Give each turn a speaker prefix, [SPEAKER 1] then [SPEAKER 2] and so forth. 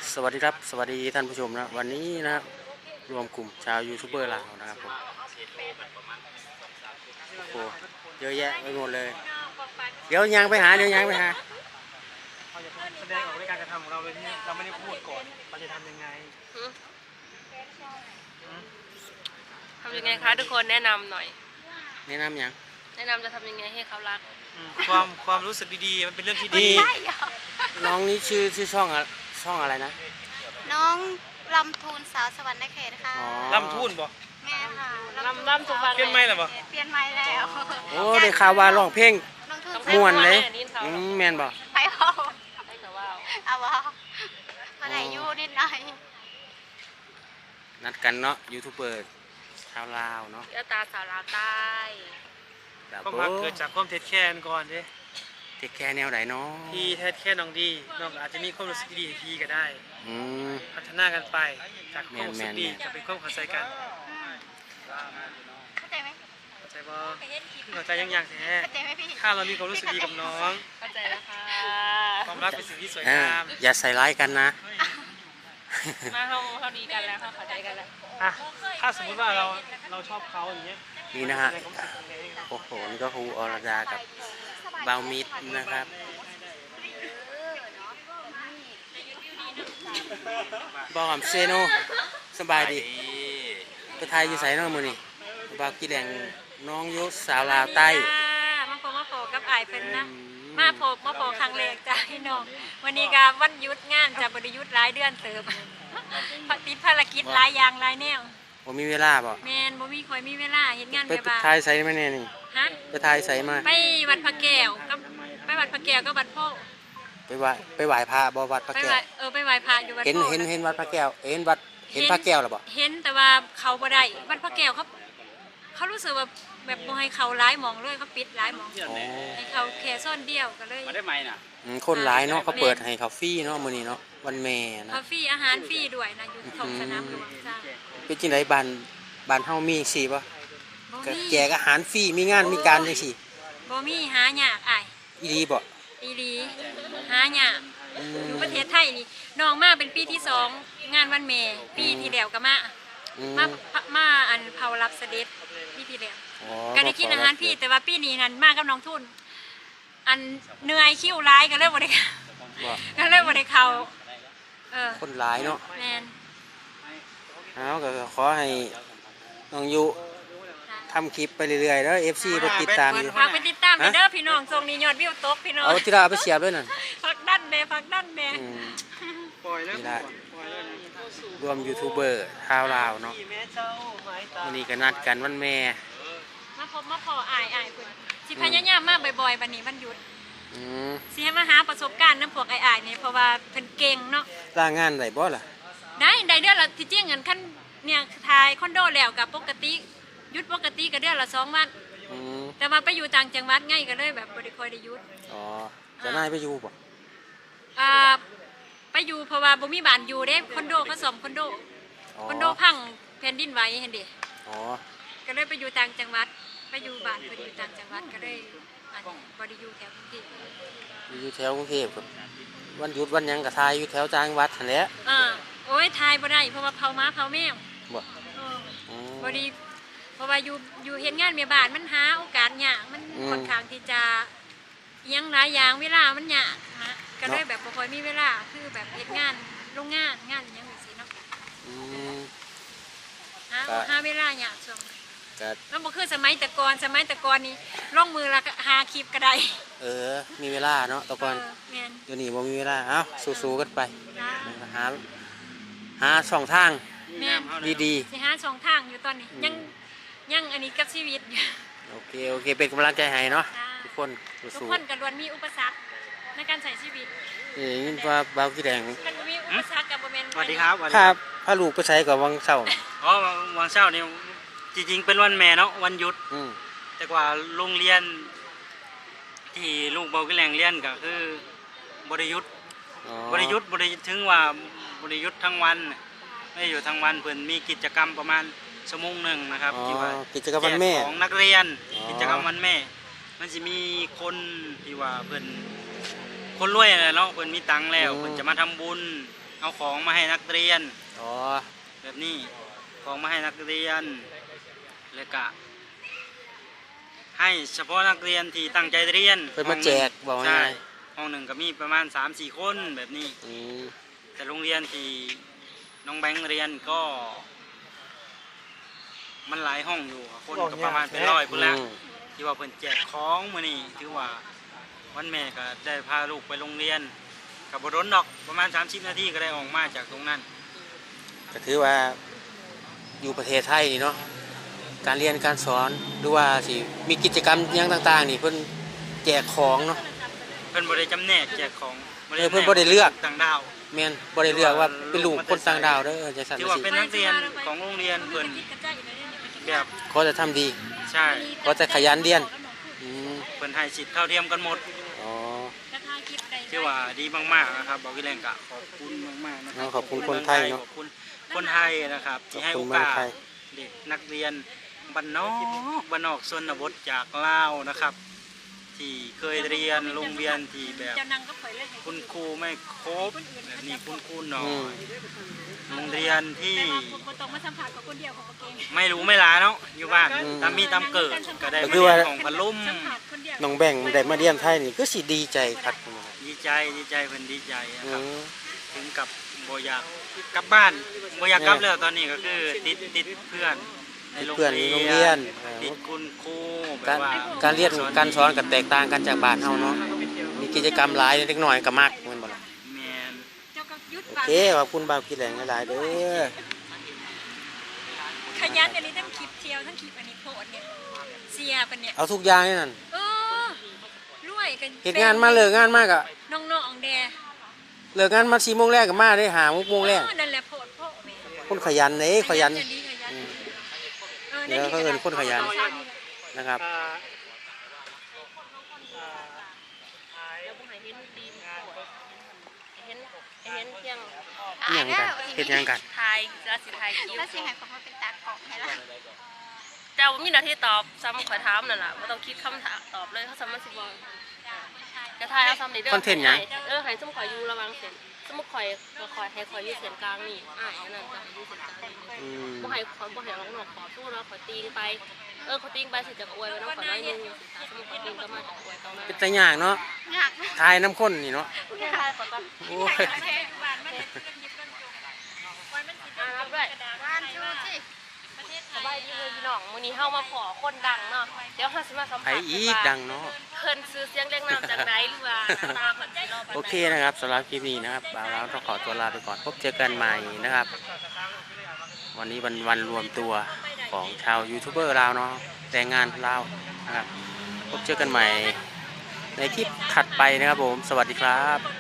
[SPEAKER 1] สวัสดีครับสวัสดีท่านผู้ชมนะวันนี้นะครับรวมกลุ่มชาวยูทูบเบอร์ลาวนะครับผมโอ้โหเยอะแยะไปหมดเลยเดี๋ยวยังไปหา
[SPEAKER 2] เราจะแสดงออกในการกระทำของเราโดยที่เราไม่ได้พูดก่อนเราจะทำยังไง
[SPEAKER 3] ทำยังไงคะทุกคนแนะนำหน่อย
[SPEAKER 1] แนะนำยัง
[SPEAKER 3] แนะนำจะทำยังไงให้เขารัก
[SPEAKER 2] ความรู้สึกดีๆมันเป็นเรื่องที่ดี
[SPEAKER 1] น้องนี่ชื่อช่องอะไรนะ
[SPEAKER 4] น้องลำทูนสาวสวรรค์เขตค่ะ
[SPEAKER 2] ลำทุ่นบ่
[SPEAKER 4] แม่ค่ะ
[SPEAKER 3] ลำทุกวัน
[SPEAKER 2] เปลี่ยนไม่หรอบ่
[SPEAKER 4] เปลี่ยนไม่แล้ว
[SPEAKER 1] โอ้ได้ข่าวว่าร้องเพลงม่วนเลยแม่นบ่
[SPEAKER 4] ไปเอา
[SPEAKER 3] ให้เขาว่า
[SPEAKER 4] เอาว่ามาไหนอยู่นิดหน่อย
[SPEAKER 1] นัดกันเนาะยูทูบเบอร์ชาวลาวเนาะ
[SPEAKER 3] เจ้าตาสาวลาวใต้
[SPEAKER 2] ความรักเกิดจากความเท็จแค้นก่อนเด้
[SPEAKER 1] เทคแค่แนวไหนเนาะ
[SPEAKER 2] พี่เท็จแค้นน้องดีน้องอาจจะมีความรู้สึกดีพี่ก็ได้พัฒนากันไปจากความรู้สึกดีจะเป็นความเข้าใจกัน
[SPEAKER 4] เข้าใจไหม
[SPEAKER 2] เข้าใจบ่เข้าใจยังแท้
[SPEAKER 4] เข้าใจไหมพี่
[SPEAKER 2] ถ้าเรามีความรู้สึกดีกับน้อง
[SPEAKER 3] เข้าใจแล้วค่ะ
[SPEAKER 2] ความรักเป็นสิ่งที่สวยงาม
[SPEAKER 1] อย่าใส่ร้ายกันนะ
[SPEAKER 3] มาเขาดีกันแล้วเขาเข้าใจกันแล้ว
[SPEAKER 2] ถ้าสมมติว่าเราชอบเขาอย่างเงี้ย
[SPEAKER 1] นี่นะฮะโอ้โหนี่ก็ครูอรดากับเบามิดนะครับบอมเซโนสบายดีไปไทยอยู่ใส่น้องมือนี่บาวกีแดงน้องยุสาวลาวใต้
[SPEAKER 3] มาโผกับไอเป็นนะมาโผครั้งแรกจ้าพี่น้องวันนี้ก็วันหยุดงานจะบริยุทธ์หลายเดือนเติบติดภารกิจหลายอย่างหลายแนว
[SPEAKER 1] บ่มีเวลาบ่
[SPEAKER 3] แมนบ่มีคอยมีเวลาเห็นงาน
[SPEAKER 1] ไปไทยใส่มาแน่นี่
[SPEAKER 3] ฮะ
[SPEAKER 1] ไปไทยใส่มา
[SPEAKER 3] ไปวัดพระแก้วก็ไปวัดพระแก้วก็วัดพ่อ
[SPEAKER 1] ไปไหว้พระบ่วัดพระแก้ว
[SPEAKER 3] ไปไหว้พระอยู่วัดพ่อ
[SPEAKER 1] เห็นวัดพระแก้วเห็นพระแก้วหรอบ่
[SPEAKER 3] เห็นแต่ว่าเขาบ่ได้วัดพระแก้วเขารู้สึกว่าแบบบ่ให้เขาร้ายมองเลยเขาปิดร้ายมองให้เขาแค่ซ่อนเดียวก็เลย
[SPEAKER 2] มาได้ไหมน่ะ
[SPEAKER 1] คนร้ายเนาะเขาเปิดให้เขาฟรีเนาะมื้อนี้เนาะวันแม่นะ
[SPEAKER 3] เขาฟรีอาหารฟรีด้วยนะอยู่ท้องสนามหลวงจ้า
[SPEAKER 1] เป็นจังได๋บ้านเฮามีจังซี่บ่ก็แจกอาหารฟรีมีงานมีการจังซี่
[SPEAKER 3] บ่มีหายากอ้าย
[SPEAKER 1] อีหลีบ่
[SPEAKER 3] อีหลีหายากอยู่ประเทศไทยนี่น้องมาเป็นปีที่2งานวันแม่ปีที่แล้วก็มาอันเผารับเสด็จปีที่แล้วก็ได้กินอาหารพี่แต่ว่าปีนี้นั้นมากับน้องทุนอันเหนื่อยคิ้วร้ายก็เลยบ่ได้เข้า
[SPEAKER 1] คนร้ายเนาะ
[SPEAKER 3] แม่น
[SPEAKER 1] ก็ขอให้น้องยุทำคลิปไปเรื่อยๆแล้ว FC ไปติดตามอยู่
[SPEAKER 3] ฝากไปติดตามเด้อพี่น้องทรงนี้ยอดวิวตกพี่น้อง
[SPEAKER 1] เอาที่เราไปเสียบด้วยนั่น
[SPEAKER 3] พักดันแม่
[SPEAKER 1] ปล่อยแล้วรวมยูทูบเบอร์ชาวลาวเนาะวันนี้ก็นัดกันวันแม่
[SPEAKER 3] มาพออายคุณสิพยายามมาบ่อยๆวันนี้วันหยุดสิให้มาหาประสบการณ์น้ำพวกอายนี่เพราะว่าเพิ่นเก่งเนาะ
[SPEAKER 1] ลางานได้บ่ล่ะ
[SPEAKER 3] ได้เดือนละที่จริงเงินขั้นเนี่ยทายคอนโดแล้วกับปกติหยุดปกติก็เดือนละ2 วันแต่มาไปอยู่ต่างจังหวัดง่ายก็เลยแบบบ่ได้ค่อยได้หยุด
[SPEAKER 1] จะนายไปอยู่บ่
[SPEAKER 3] ไปอยู่เพราะว่าบ่มีบ้านอยู่เด้คอนโดเขาซ่อมคอนโดพังแผ่นดินไหวเห็นดิก็เลยไปอยู่ต่างจังหวัดไปอยู่บ้านเพิ่นอยู่ต่างจังหวัดก็เลยบ่ได้อยู่แถวกรุงเทพ
[SPEAKER 1] อยู่แถวกรุงเทพครับวันหยุดวันหยังก็ทายอยู่แถวจังหวัดนั่นแหละ
[SPEAKER 3] โอ้ยทายบ่ได้เพราะว่าเผาม้าเผาแมวบ่ดีเพราะว่าอยู่เฮ็ดงานแม่บ้านมันหาโอกาสยากมันค่อนข้างที่จะยังหลายอย่างเวลามันยากนะก็เลยแบบบ่ค่อยมีเวลาคือแบบเฮ็ดงานโรงงานอยังจังซี่เนาะหาเวลายากช่วงแล้วบ่คือสมัยแต่ก่อนนี่ลงมือละหาคลิปก็ได้
[SPEAKER 1] มีเวลาเนาะแต่ก่อนเดี๋ยวนี้บ่มีเวลาเอ้าสู้ๆกันไปหาช่องทางดี
[SPEAKER 3] ๆสิหาช่องทางอยู่ตอนนี้ยังอันนี้กับชีวิต
[SPEAKER 1] โอเคเป็นกำลังใจให้เนาะทุกคน
[SPEAKER 3] ก็ล้วนมีอุปสรรคในการใช้ชีวิต
[SPEAKER 1] นี่ว่าบ่าวกีแดง
[SPEAKER 3] มันมีอุปสรรคกับบ่แม่น
[SPEAKER 2] สวัสดีครับ
[SPEAKER 1] พาลูกไปใช้กับวังเช้า
[SPEAKER 2] วันเช้านี่จริงๆเป็นวันแม่เนาะวันหยุดแต่ว่าโรงเรียนที่ลูกบ่าวกีแดงเรียนก็คือบ่ได้หยุดถึงว่าบ่ได้หยุดทั้งวันไม่อยู่ทั้งวันเพิ่นมีกิจกรรมประมาณ1 ชั่วโมงนะครับที่ว่า
[SPEAKER 1] กิจกรรมวันแม่
[SPEAKER 2] ของนักเรียนกิจกรรมวันแม่มันสิมีคนที่ว่าเพิ่นคนรวยเนาะเพิ่นมีตังค์แล้วเพิ่นจะมาทำบุญเอาของมาให้นักเรียน
[SPEAKER 1] อ๋อ
[SPEAKER 2] แบบนี้ของมาให้นักเรียนแล้วก็ให้เฉพาะนักเรียนที่ตั้งใจเรียน
[SPEAKER 1] เพิ่นมาแจกบอก
[SPEAKER 2] ใช่
[SPEAKER 1] ง่าย
[SPEAKER 2] ห้องหนึ่งก็มีประมาณ 3-4 คนแบบนี้
[SPEAKER 1] อืม
[SPEAKER 2] แต่โรงเรียนที่น้องแบงค์เรียนก็ มันหลายห้องอยู่คนก็ประมาณเป็น100พุ่นละที่ว่าเพิ่นแจกของมื้อนี้ถือว่าวันแม่ก็ได้พาลูกไปโรงเรียนกับบรนดอกประมาณ30 นาทีก็ได้ออกมาจากตรงนั้น
[SPEAKER 1] ก็ถือว่าอยู่ประเทศไทยนี่เนาะการเรียนการสอนหรือว่าสิมีกิจกรรมหยังต่างๆนี่เพิ่นแจกของเนาะ
[SPEAKER 2] เพิ่นบ่ได้จำแนกแจกของ
[SPEAKER 1] เพิ่นบ่ได้เลือก
[SPEAKER 2] ต่างดาว
[SPEAKER 1] แม่นบ่ได้เลือกว่าเป็นลูกคนต่างดาวเด้อจังซั่น
[SPEAKER 2] ถือ
[SPEAKER 1] จั
[SPEAKER 2] ว่าง
[SPEAKER 1] ซี่
[SPEAKER 2] เป็นนักเรียนของโรงเรียนเพิ่นแบบ
[SPEAKER 1] เขาจะทำดี
[SPEAKER 2] ใช่
[SPEAKER 1] เขาจะขยันเรียนอืม
[SPEAKER 2] เพิ่นให้สิทธิ์เท่าเทียมกันหมด
[SPEAKER 1] อ๋อ
[SPEAKER 2] ถือว่าดีมากๆนะครับบอกพี่แรงกะขอบคุณมากๆนะครั
[SPEAKER 1] ขอบคุณคนไทยเนาะ
[SPEAKER 2] ขอบคุณคนไทยนะครับที่ให้
[SPEAKER 1] ขอบ
[SPEAKER 2] โอ
[SPEAKER 1] คุณเมือง
[SPEAKER 2] กาส
[SPEAKER 1] ไทย
[SPEAKER 2] เด็กนักเรียนบ้านนอกชนบทจากลาวนะครับ ที่เคยเรียนโรงเรียนที่แบบ
[SPEAKER 3] เจ้านังก็ข่อยเลยให้
[SPEAKER 2] คุณครูไม่ครบแบบนี้คุณครูน้อ
[SPEAKER 1] อืม
[SPEAKER 2] ยโรงเรียนที่
[SPEAKER 3] แต่ว่าคนต้องมาสัมผัสกับคนเดียวของเก่ง
[SPEAKER 2] ไม่รู้ไม่ลาเนาะอยู่บ้านตามมีตามเกิดก็ได้
[SPEAKER 1] ก็
[SPEAKER 2] มา
[SPEAKER 1] คือ
[SPEAKER 2] เรี
[SPEAKER 1] ว่า
[SPEAKER 2] ยนของพันลุ่ม
[SPEAKER 3] สัมผัสคนเดียว
[SPEAKER 1] น้องแบงค์ได้มาเรียนไทยนี่ก็สิดีใจครับ
[SPEAKER 2] ดีใจเพิ่นดีใจนะ
[SPEAKER 1] อื
[SPEAKER 2] ครับ
[SPEAKER 1] ม
[SPEAKER 2] ถึงกับบ่อยากกลับบ้านบ่อยากกลับแล้วตอนนี้ก็คือติดเพื่อนในโรง
[SPEAKER 1] เพื่อนในโรง
[SPEAKER 2] เรี
[SPEAKER 1] เรี
[SPEAKER 2] ย
[SPEAKER 1] ย
[SPEAKER 2] น
[SPEAKER 1] น
[SPEAKER 2] ติดคุณครูแบ
[SPEAKER 1] การ
[SPEAKER 2] บว่า
[SPEAKER 1] การเรียนการสอนก็แตกต่างกันจากบ้านเฮาเนาะมีกิจกรรมหลายเล็กน้อยก็มักแม่นบ่ล่ะ
[SPEAKER 2] แม่น
[SPEAKER 3] เจ้าก็ยุด
[SPEAKER 1] โอเคขอบคุณบ่าวกินแหลงหลายๆเด้อ
[SPEAKER 3] ขยันอันนี้ทั้งคลิปเที่ยวทั้งคลิปอันนี้โพดเนี่ยเสียเป็นเนี่ย
[SPEAKER 1] เอาทุกอย่างนี่นั่น
[SPEAKER 3] รวยกัน
[SPEAKER 1] เฮ็ดงานมาเลิกงานมาก็
[SPEAKER 3] น้องๆแด
[SPEAKER 1] เลิกงานมา4โมงแรกก็มาได้5โมงแรก
[SPEAKER 3] นั่นแหละโพดโพดแม่
[SPEAKER 1] คนขยันเด้ขยัน
[SPEAKER 3] ดีขยัน
[SPEAKER 1] เดี๋ยวเขาเอิ้นคนขยัน นะครับ
[SPEAKER 5] เห็นเพียง
[SPEAKER 1] อิหยังกันเฮ็ดหยังกัน
[SPEAKER 5] ทายจะสิทายคิว
[SPEAKER 4] แล้วสิให้ผมมาเป็นตากล่องให้ละ
[SPEAKER 5] เจ้ามีหน้าที่ตอบซ้ำขอถามนั่นแหละไม่ต้องคิดคำถามตอบเลยเขาซ้ำมันสิบอกจะทายเอาซ้ำนี่เด้อ
[SPEAKER 1] คอนเทนต์หยัง
[SPEAKER 5] ให้สมข่อยอยู่ระวังเสียงสมข่อยให้ข่อยอยู่เสียงกลางนี่อันนั้นจะให้อยู่เสียงกลางนี่
[SPEAKER 1] อืม
[SPEAKER 5] บ่ให้ร้องหนอกขอสู้แล้วขอตีงไปขอตีงไปสิจะอวยไว้น้องขอน้อยนึงสมข่อยตีงก็มาจากอวยตรงนั้น
[SPEAKER 1] เป็นตาย่างเนาะ
[SPEAKER 4] อยาก
[SPEAKER 1] ทายน้ำข้นนี่เนาะ
[SPEAKER 5] ทายขอก่อน
[SPEAKER 1] โอ้ย
[SPEAKER 5] รับด้วย
[SPEAKER 4] ว่านชูสิ
[SPEAKER 5] สบายดีเลยพี่น้องมื้อนี้เฮามาขอคนดังเนาะเดี๋ยวเฮาสิมาสัม
[SPEAKER 1] ไผ
[SPEAKER 5] ภาษณ์
[SPEAKER 1] อีกดังเนาะ
[SPEAKER 5] เพิ่นซื้อเสียงเรียงนามจากไหนหรือว่าหน้าตาเพิ่นสิรอปานใด
[SPEAKER 1] โอเคนะครับสำหรับคลิปนี้นะครับบ่าวเราต้องขอตัวลาไปก่อนพบเจอกันใหม่นะครับ วันนี้วันรวมตัวของชาวยูทูบเบอร์ลาวเนาะแต่งงานลาวนะครับพบเจอกันใหม่ในคลิปถัดไปนะครับผมสวัสดีครับ